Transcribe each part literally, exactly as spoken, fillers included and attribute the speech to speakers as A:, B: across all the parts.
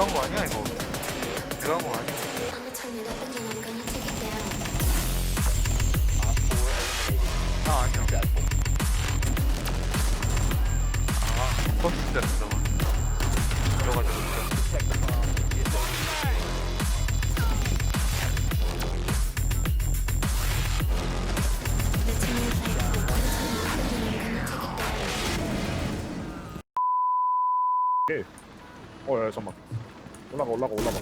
A: 내가 한 거 아니야 이거? 내가 한 거 아니야? 아 아니야. 아 버스 때렸어. 들어가자.
B: 오케이. 어, 야, 잠깐만. 올라가, 올라가, 올라가.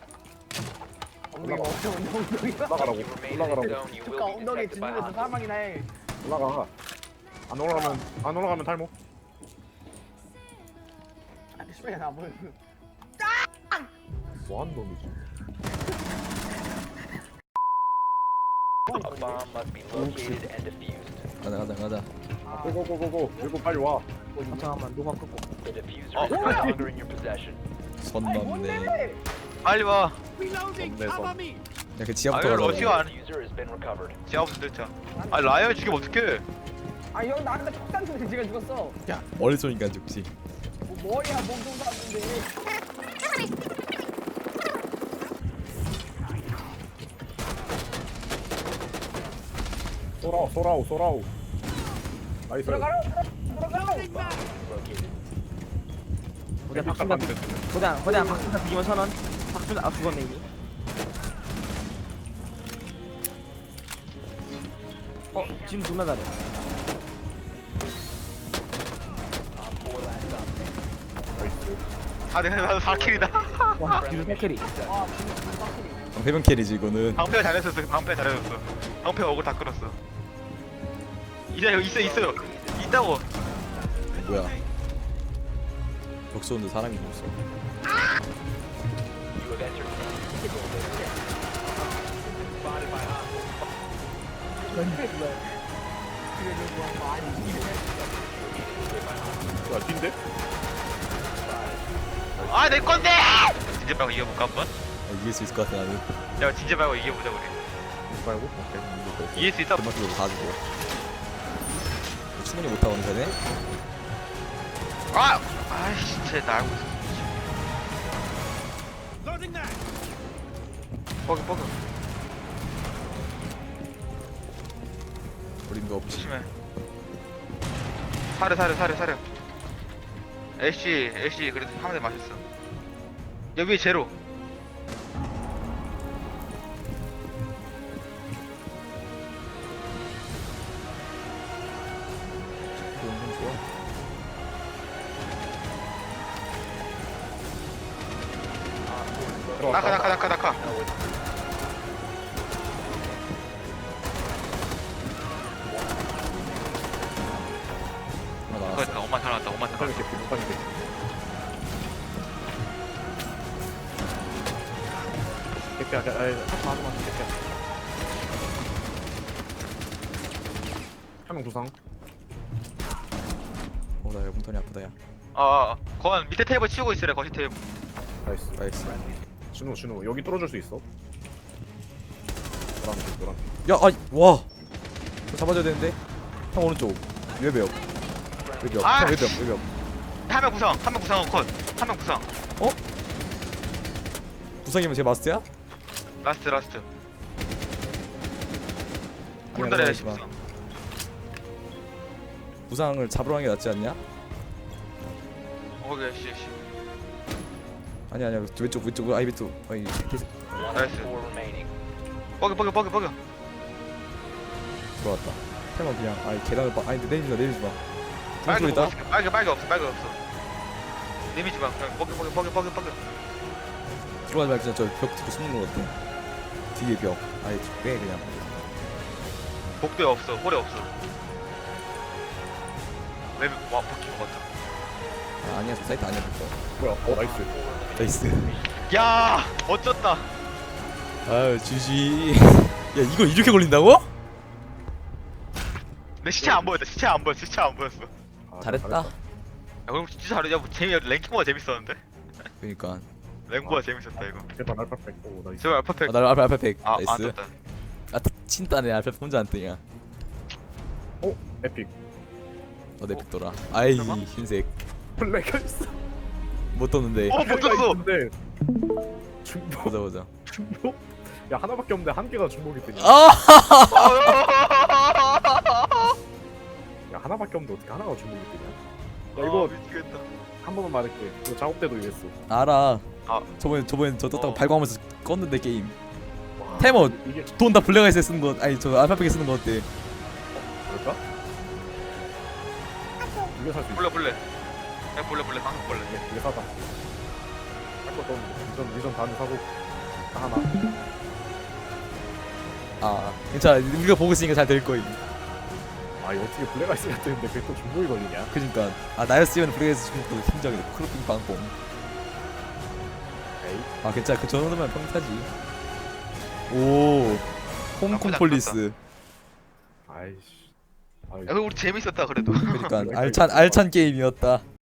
C: 엉덩이 멈춰 엉덩이
B: 올라가라고. 올라가라고.
C: 그니까 엉덩이 짚는 것도 사망이나 해.
B: 올라가. 안 올라가면 안 올라가면 탈모.
C: 아, 씨발 나 보여.
B: 뭐하는 놈이지?
D: 가자 가자 가자.
B: 아, 고고고고고. 그리고 빨리 와.
C: 잠깐만 노만 끄고.
A: 어
D: 선
C: 아니
D: 넘네.
C: 뭔데?
A: 빨리 와.
B: 없네,
D: 야그
A: 아
D: 지하부터
A: 이걸
D: 가자.
A: 어디가 안? 지하부터 됐자. 아 라이어 죽이면 어떡해?
C: 아형 나한테 폭탄 쏘는데 지가 죽었어.
D: 야 머리 쏘니까 죽지.
C: 뭐 머리야 몸통 쐈는데.
B: 쏘라오, 쏘라오, 쏘라오. 나이스.
C: 들어가라 들어가라.
E: 고대 박준다 고대 고대 박준다 비기면 선언. 박준다 아 죽었네 이미. 어 지금 존나 잘해.
A: 아 내가 나도 사 킬이다.
E: 와 뒤로 세클이.
D: 해변 캐리지 이거는.
A: 방패가 잘했었어. 방패 잘해줬어. 방패 어글 다 끌었어. 이제 여기 있어 있어요. 있다고.
D: 뭐야? 벽 쏘는데 사람이 없어.
B: 야, 뛴데?
A: 아 내 건데. 진짜 말고 이겨볼까 한번?
D: 아, 이길 수 있을 것 같아 나는.
A: 야 진짜 말고 이겨보자 우리.
B: 이거 말고? 오케이.
A: 이길 수 있다.
D: 금방 쓰고 다 주고. 충분히 못하고 있는 거네.
A: 아 아이씨 쟤나 알고 있어. 뻐기 뻐기
D: 어림도 없지.
A: 조심해. 사려 사려 사려 사려. 애쉬 애쉬 그래도 한 대 맞았어. 여기 제로.
D: 너무 좋아.
A: 나카 나카 나카 나카.
D: 하나 나왔어.
A: 그러니까 엄마 잘 나왔다. 엄마 잘
B: 못하는
A: 나왔다.
B: 게 못하는 게. 개피야, 개, 아이, 하지 마, 하지 마, 개피야. 한 명 부상.
D: 어나 몸통이 아프다 야.
A: 어, 건 밑에 테이블 치우고 있으래. 거시 테이블.
B: 나이스.
D: 나이스.
B: 준우, 준우, 여기 뚫어줄 수 있어? 노란 색, 노란 색.
D: 야 아이 와. 저 잡아줘야 되는데. 형 오른쪽. 외벽. 외벽.
A: 아,
D: 형 외벽
A: 씨.
D: 외벽.
A: 한 명 구상. 한 명 구상 컷. 한 명 구상.
D: 부상이면 제 마스터야?
A: 라스트 라스트.
D: 아니야,
A: 오른다리
D: 올라가지
A: 애쉬
D: 마.
A: 구상.
D: 부상을 잡으러 가는 게 낫지 않냐?
A: 어, 거기 애쉬 애쉬.
D: 아니 아니야 왼쪽 왼쪽 아이비 또 아이 계속
A: 나이스. 뻐기 뻐기 뻐기 뻐기.
D: 들어왔다. 태만 그냥 아이 계단을 봐. 아니 내리지 마 내리지 마.
A: 빨개
D: 소리 있다.
A: 없어. 빨개 빨개 없어. 빨개 없어. 내미지 마. 그냥 뻐기 뻐기 뻐기 뻐기 뻐기.
D: 들어가지 말고 그냥 저벽 뒤로 숨는 거 같아. 뒤에 벽. 아이 빼 그냥.
A: 복도에 없어. 홀에 없어. 왜 와, 바뀐 것 같아.
D: 아, 아니야 저 사이트 아니야 그거.
B: 뭐야, 어, 나이스.
D: 나이스.
A: 야, 어쩌다.
D: 아유 주지. 야 이걸 이렇게 걸린다고?
A: 내 시체 안 보였다. 시체 안 보였어. 시체 안 보였어. 야,
B: 아,
D: 잘했다.
B: 잘했다.
A: 그럼 진짜 잘해. 야, 뭐 재미 랭킹보다 재밌었는데.
D: 그러니까.
A: 랭보다 재밌었다 이거.
B: 제발 알파백. 오, 나이스.
A: 저 알파팩.
D: 아, 나 알파 알파팩.
A: 아, 안
D: 나이스.
A: 떴다.
D: 아 친따네 알파 혼자 안 뜨냐.
B: 오, 에픽.
D: 어내 픽더라. 아이
A: 설마?
D: 흰색.
B: 블랙 있어.
D: 못 떴는데.
A: 어, 못 떴어.
B: 근데 중복
D: 보자 보자.
B: 중복? 야 하나밖에 없는데 한 개가 중복이 뜨냐?
D: 아!
B: 야 하나밖에 없는데 어떻게 하나가 중복이 뜨냐? 야
A: 아,
B: 이거
A: 미치겠다.
B: 한 번만 말할게. 이거 작업 때도 이랬어.
D: 알아.
A: 아.
D: 저번에 저번에 저 떴다고
A: 어.
D: 발광하면서 껐는데 게임.
B: 와,
D: 테머
B: 이게
D: 돈 다 블랙아이스에 쓰는 거 아니 저 알파벳에 쓰는 거 어때?
B: 뭘까? 이거 살 수 있어.
A: 볼래 볼래. 야 볼래 볼래 방금 볼래.
B: 이게, 이게 사다. 할 것도 없는데 미션 미션 다음에 사고 다 하나.
D: 아 괜찮아 우리가 보고 있으니까 잘 될 거임.
B: 아 이거 어떻게 블랙아이스가 뜨는데 그게 또 중복이 걸리냐?
D: 그러니까 아 나였으면 블랙아이스 주면 또 심장이 크로핑 빵뽕.
B: 에이.
D: 아 괜찮아 그 정도면 평타지. 오 홍콩
A: 나쁘지
D: 폴리스.
B: 아이씨. 아,
A: 야, 그거 우리 재밌었다 그래도.
D: 그러니까 알찬 알찬 게임이었다.